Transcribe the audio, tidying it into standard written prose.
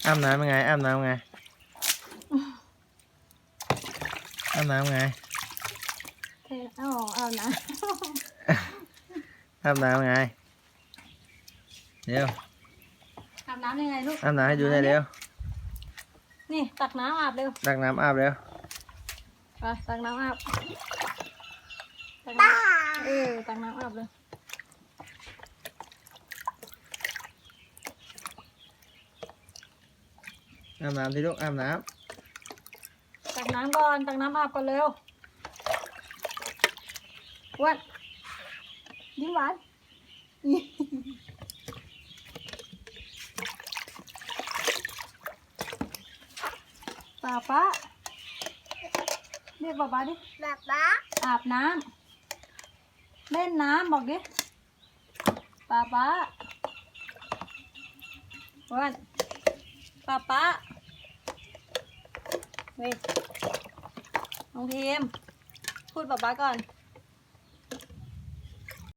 อาบน้ำยังไงอาบน้ำไงอาบน้ำไงอาบน้อาบน้ำไงเร็วำอาบน้ำยังไงลูกอาบน้ำให้ดูหน่อยเร็วนี่ตักน้ำอาบเร็วตักน้ำอาบเร็วไปตักน้ำอาบตักน้ำอาบเลยอาบน้ำที่ลูกอาบน้ตักน้ำก่อนตักน้ำอาบก่อนเร็วอ้วนยิ้มหวานป๊าเรียกป๊าดิป๊าอาบน้ำเล่นน้ำบอกดิป๊าอ้วนป๊าเฮ้ยน้องพิมพูดป๊าก่อน